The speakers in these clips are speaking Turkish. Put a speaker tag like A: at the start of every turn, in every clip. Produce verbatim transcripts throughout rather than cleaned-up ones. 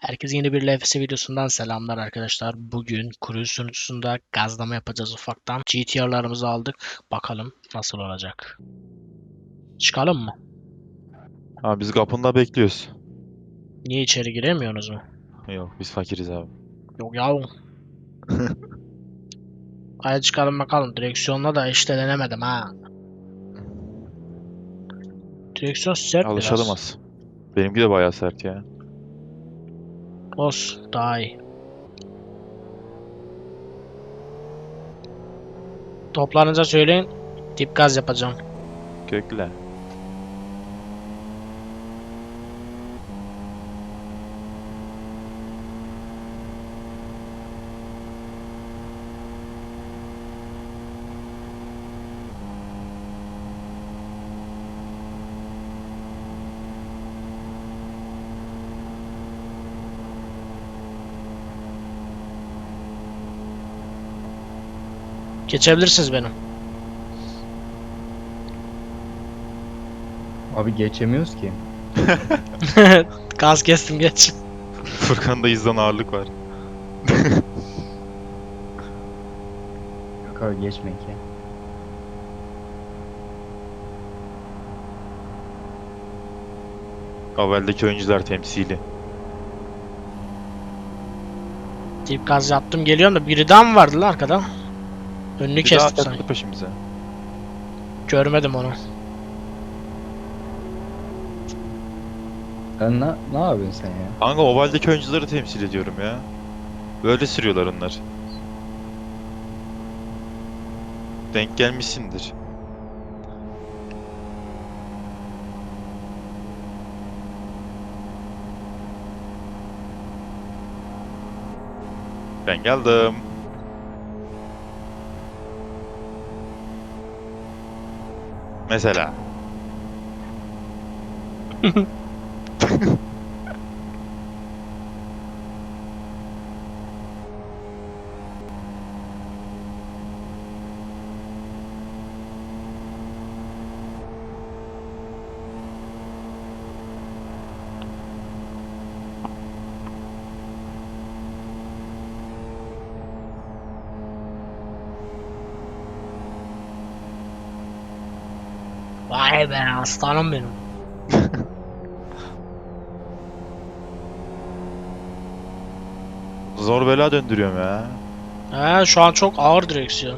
A: Herkese yeni bir L F S videosundan selamlar arkadaşlar. Bugün cruise sunucusunda gazlama yapacağız ufaktan. G T R'larımızı aldık. Bakalım nasıl olacak. Çıkalım mı?
B: Abi biz kapında bekliyoruz.
A: Niye içeri giremiyorsunuz mu?
B: Yok biz fakiriz abi.
A: Yok ya. Hadi çıkalım bakalım. Direksiyonla da işte denemedim ha. Direksiyon sert
B: Alışalım
A: biraz.
B: az. Benimki de bayağı sert ya.
A: Olsun daha iyi. Toplanınca söyleyin. Dip gaz yapacağım.
B: Kökle.
A: Geçebilirsiniz benim.
C: Abi geçemiyoruz ki.
A: Gaz kestim geç.
B: Furkan'da izdan ağırlık var.
C: Yok abi geçmek ya.
B: Avel'deki oyuncular temsili.
A: Dip gaz yaptım geliyorum da biri daha mı vardı lan arkada? Önünü
B: Bir daha
A: kestim sanki.
B: geldi peşimize.
A: Görmedim onu.
C: Sen ne, ne yapıyorsun sen ya?
B: Kanka Oval'deki oyuncuları temsil ediyorum ya. Böyle sürüyorlar onlar. Denk gelmişsindir. Ben geldim. Mesela.
A: Vay be aslanım benim.
B: Zor bela döndürüyorum ya.
A: He, şu an çok ağır direksiyon.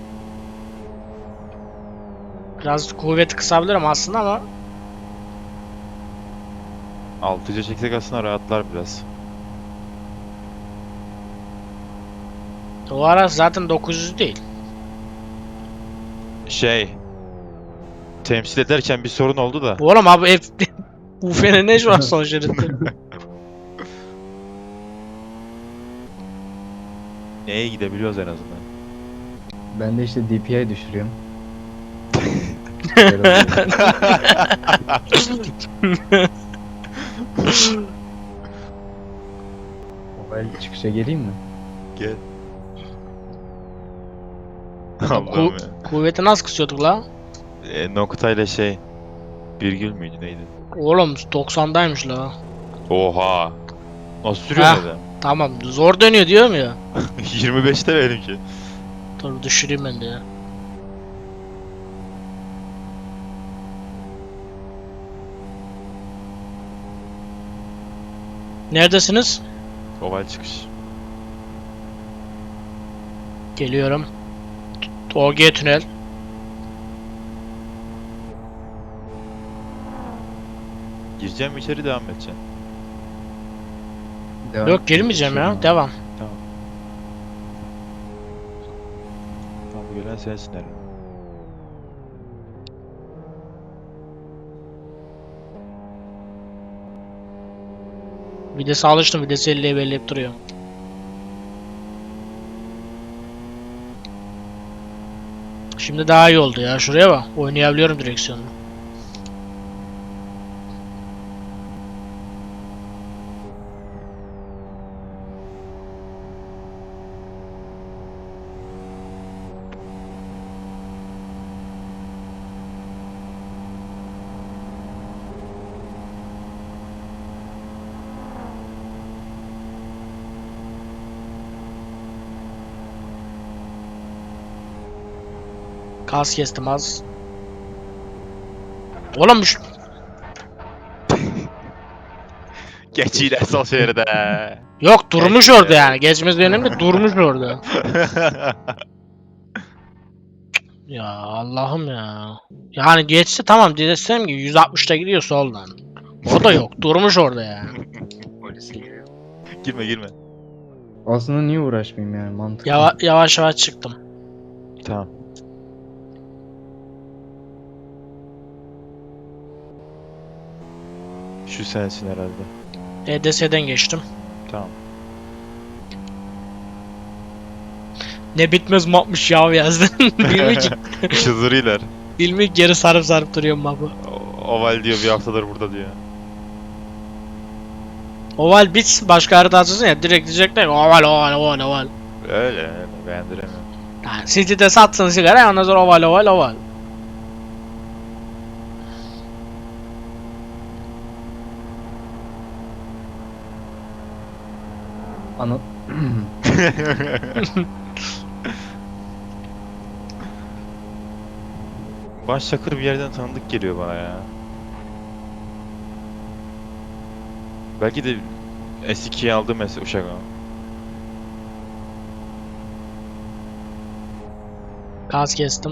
A: Biraz kuvveti kısabilirim aslında ama
B: Altıca çeksek aslında rahatlar biraz.
A: o ara zaten dokuz yüz değil.
B: Şey. Temsil ederken bir sorun oldu da.
A: Oğlum abi hep U F N ne şu an son şeritte?
B: Neye gidebiliyoruz en azından.
C: Ben de işte D P I düşürüyorum. Böyle oluyor. Mobile çıkışa geleyim mi?
B: Gel.
A: Ku-
B: Allah'ım ya.
A: kuvveti nasıl kısıyorduk la?
B: E, noktayla şey. Virgül müydü neydi?
A: Oğlum doksandaymış la.
B: Oha. Nasıl sürüyor
A: Heh.
B: neden?
A: Tamam zor dönüyor diyorum ya.
B: yirmi beşte benimki.
A: Dur düşüreyim ben de ya. Neredesiniz?
B: Oval çıkış.
A: Geliyorum. O G tünel.
B: Gireceğim mi içeri devam edeceğim.
C: Devam
A: Yok girmeyeceğim ya.
C: Geçiyorum
A: Devam.
B: Tamam. Tamam gören sensin herhalde.
A: Vitesi alıştım. Vitesi elliye belleyip duruyor. Şimdi daha iyi oldu ya. Şuraya bak. Oynayabiliyorum direksiyonla. Gaz kestim az. Oğlum şu...
B: Geç yine sol şeride.
A: Yok durmuş
B: Geçti.
A: orada yani. Geçmesi önemli, durmuş orada. Ya Allah'ım ya. Yani geçse tamam desem ki yüz altmışta gidiyor soldan. O da yok. Durmuş orada ya.
C: Polise giriyor.
B: Girme girme.
C: Aslında niye uğraşmayayım yani mantıklı.
A: Yava yavaş yavaş çıktım.
B: Tamam. Şu sensin herhalde.
A: E D S'den geçtim.
B: Tamam.
A: Ne bitmez mapmış ya yazdın. Bilmiyorum ki,
B: Çıldırıyorlar.
A: bilmiyorum geri sarıp sarıp duruyorum mapı.
B: O- Oval diyor bir haftadır burada diyor.
A: Oval bitsin başka harita açılsın ya direkt diyecekler ki oval oval oval oval.
B: Öyle öyle beğendiremiyorum.
A: Yani City'de satsın sigara ondan sonra oval oval oval.
C: Ana...
B: Başçakır bir yerden tanıdık geliyor bana ya. Belki de S iki'ye aldığım mes uşak o.
A: Gaz kestim.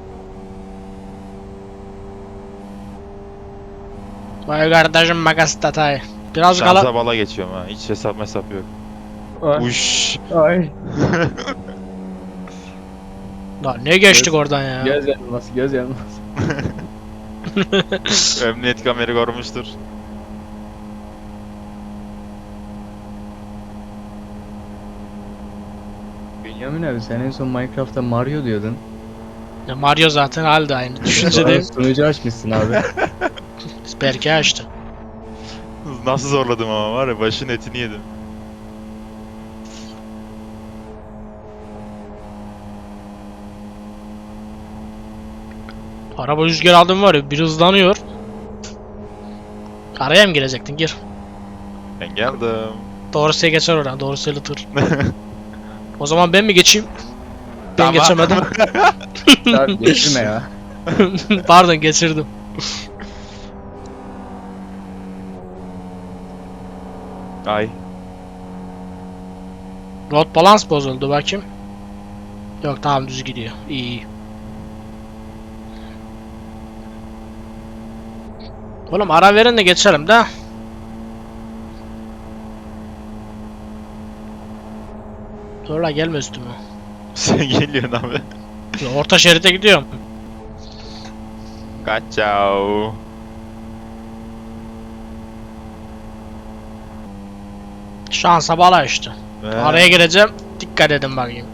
A: Vay kardeşim makas tatay. Biraz
B: Şansa
A: kala...
B: bala geçiyorum ha. Hiç hesap mesap yok.
C: Ay.
B: Uş.
C: Ay.
A: Lan ne geçtik
C: Göz-
A: oradan ya.
C: Göz yanılması, göz yanılması.
B: Emniyet kameri görmüştür.
C: Bünyamin abi sen en son Minecraft'ta Mario diyordun.
A: Ya Mario zaten halde aynı. Düşüncedeyim.
C: Sonra sunucu açmışsın abi.
A: Berke açtı.
B: Nasıl zorladım ama var ya başın etini yedim.
A: Araba rüzgar aldım var ya bir hızlanıyor. Araya mı girecektin? Gir.
B: Ben geldim.
A: Doğrusuya geçer oradan. Doğrusuyla tır. O zaman ben mi geçeyim? Ben
B: Tamam.
A: geçemedim.
C: Abi geçirme ya.
A: Pardon geçirdim.
B: Ay.
A: Road balans bozuldu bakayım. Yok tamam düz gidiyor. İyi iyi. Oğlum ara verin de geçelim de. Dur la gelme üstüme.
B: Sen geliyorsun abi.
A: Ya orta şeride gidiyorum.
B: Kaçao.
A: Şansa bala işte.
B: Ee,
A: Araya gireceğim. Dikkat edin bakayım.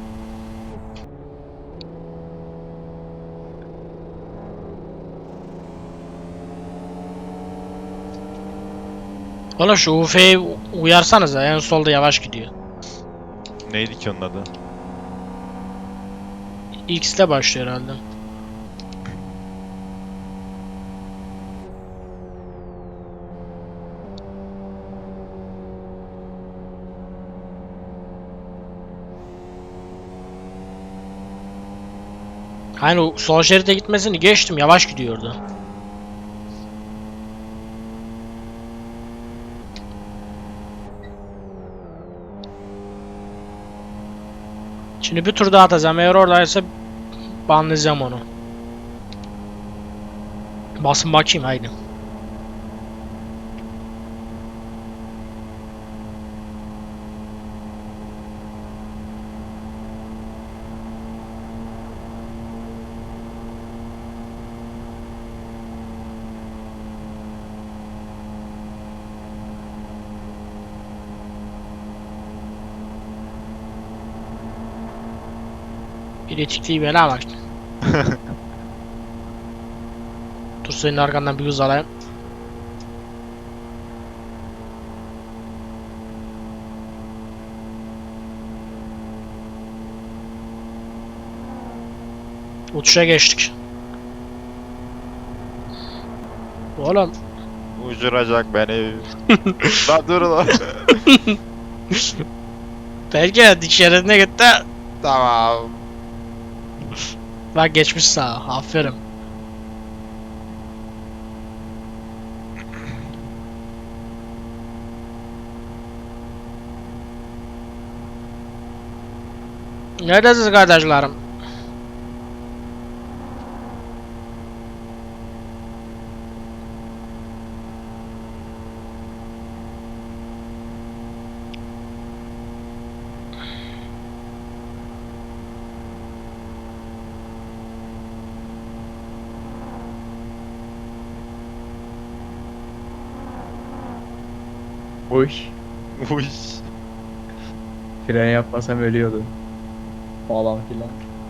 A: Oğlum şu U F'yi uyarsanız en solda yavaş gidiyor.
B: Neydi ki onun adı?
A: X ile başlıyor herhalde. Hani o sol şeride gitmesini geçtim yavaş gidiyordu. Şimdi bir tur daha atacağım. Eğer oradaysa banlayacağım onu. Basın bakayım haydi. İletikliği bela bak. Dur senin arkandan bir hız alayım. Uçuşa geçtik. Oğlum.
B: Uçuracak beni. Lan dur lan.
A: Belki dik şeridine gitti.
B: Tamam.
A: Bak geçmiş sağa. Aferin. Neredesiniz kardeşlerim?
C: Uy.
B: Uy.
C: Fren yapmasam ölüyordum. Falan filan.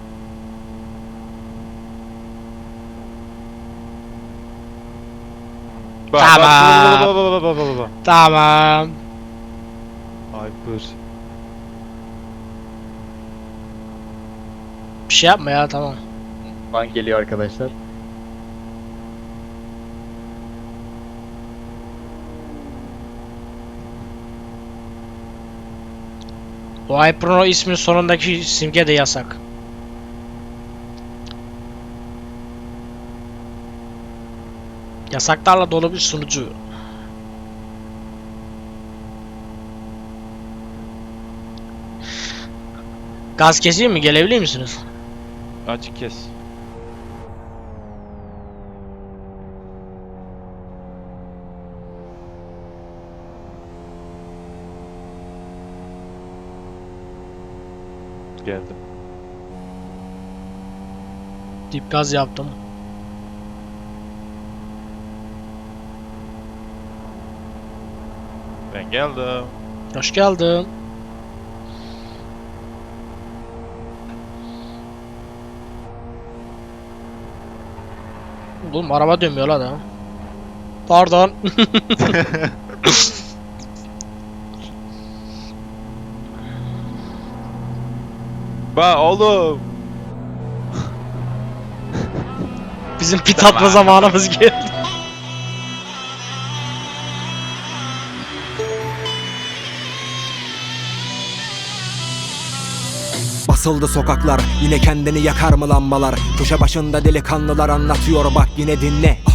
B: Bak,
A: Tamam.
B: Bak, bak, bak, bak, bak, bak.
A: Tamam.
B: Hyper.
A: Bir şey yapma ya, tamam.
C: Bank geliyor arkadaşlar.
A: O Hyperno ismin sonundaki simge de yasak. Yasaklarla dolu bir sunucu. Gaz keseyim mi? Gelebilir misiniz?
B: Açık kes. Geldim.
A: Dip gaz yaptım.
B: Ben geldim.
A: Hoş geldin. Oğlum araba dönmüyor la da. Pardon.
B: Bak oğlum.
A: Bizim pit atma zamanımız geldi.
D: Basıldı sokaklar, yine kendini yakar mı lambalar? Köşe başında delikanlılar anlatıyor, bak yine dinle.